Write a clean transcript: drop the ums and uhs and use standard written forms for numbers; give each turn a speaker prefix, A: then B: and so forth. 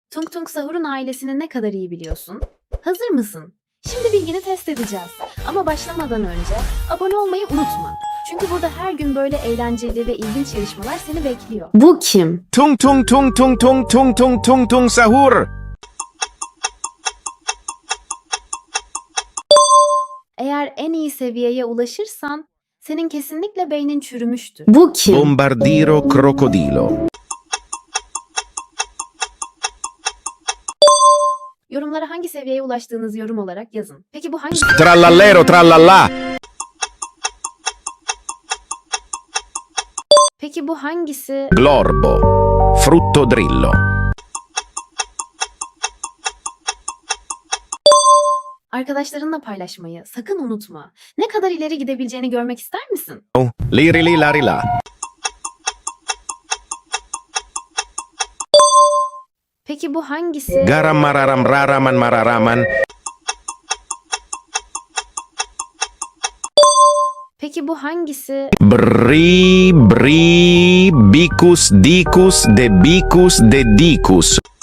A: Tung Tung Sahur'un ailesini ne kadar iyi biliyorsun? Hazır mısın? Şimdi bilgini test edeceğiz. Ama başlamadan önce abone olmayı unutma. Çünkü burada her gün böyle eğlenceli ve ilginç yarışmalar seni bekliyor. Bu kim?
B: Tung tung tung tung tung tung tung tung tung sahur.
A: Eğer en iyi seviyeye ulaşırsan senin kesinlikle beynin çürümüştür. Bu kim?
B: Bombardiro crocodilo.
A: Yorumlara hangi seviyeye ulaştığınızı yorum olarak yazın. Peki bu hangisi?
B: Trallallero trallallà.
A: Peki bu hangisi?
B: Glorbo. Frutto drillo.
A: Arkadaşlarınla paylaşmayı sakın unutma. Ne kadar ileri gidebileceğini görmek ister misin?
B: Liri li lari la.
A: Peki bu hangisi?
B: Garam mararam raraman mararaman.
A: Peki bu hangisi?
B: Bri bri bicus dicus de dicus.